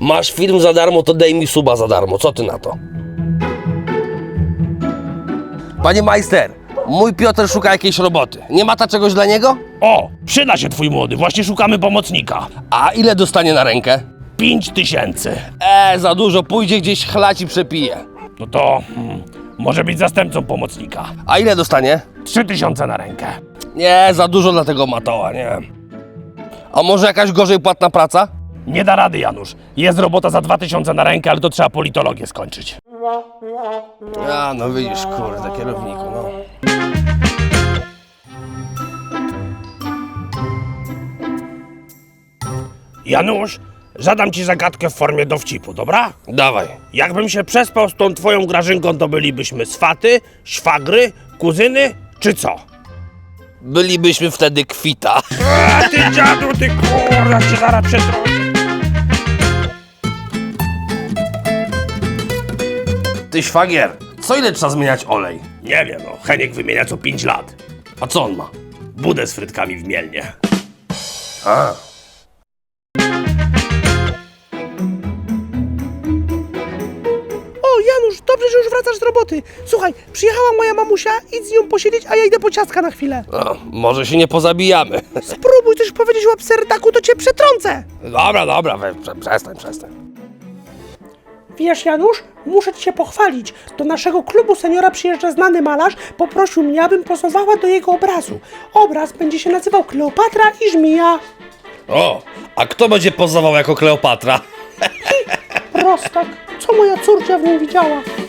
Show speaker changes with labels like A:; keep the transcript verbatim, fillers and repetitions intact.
A: Masz film za darmo, to daj mi suba za darmo. Co ty na to? Panie majster, mój Piotr szuka jakiejś roboty. Nie ma ta czegoś dla niego?
B: O, przyda się twój młody, właśnie szukamy pomocnika.
A: A ile dostanie na rękę?
B: Pięć tysięcy.
A: Eee, za dużo, pójdzie gdzieś chlać i przepije.
B: No to hmm, może być zastępcą pomocnika.
A: A ile dostanie?
B: Trzy tysiące na rękę.
A: Nie, za dużo dla tego matoła, nie. A może jakaś gorzej płatna praca?
B: Nie da rady, Janusz. Jest robota za dwa tysiące na rękę, ale to trzeba politologię skończyć.
A: A, no widzisz, kurde, kierowniku, no.
B: Janusz, zadam ci zagadkę w formie dowcipu, dobra?
A: Dawaj.
B: Jakbym się przespał z tą twoją Grażynką, to bylibyśmy swaty, szwagry, kuzyny, czy co?
A: Bylibyśmy wtedy kwita.
B: A ty dziadu, ty kurwa, cię zaraz przetrącę.
A: Ty szwagier, co ile trzeba zmieniać olej?
B: Nie wiem, no, Heniek wymienia co pięć lat.
A: A co on ma?
B: Budę z frytkami w Mielnie.
A: A.
C: O, Janusz, dobrze, że już wracasz z roboty. Słuchaj, przyjechała moja mamusia, idź z nią posiedzieć, a ja idę po ciastka na chwilę.
A: No, może się nie pozabijamy.
C: Spróbuj coś powiedzieć o abserdaku, to cię przetrącę.
A: Dobra, dobra, we, prze, przestań, przestań.
C: Wiesz, Janusz, muszę ci się pochwalić. Do naszego klubu seniora przyjeżdża znany malarz, poprosił mnie, abym pozowała do jego obrazu. Obraz będzie się nazywał Kleopatra i Żmija.
A: O, a kto będzie pozował jako Kleopatra?
C: Prostak, co moja córcia w nim widziała?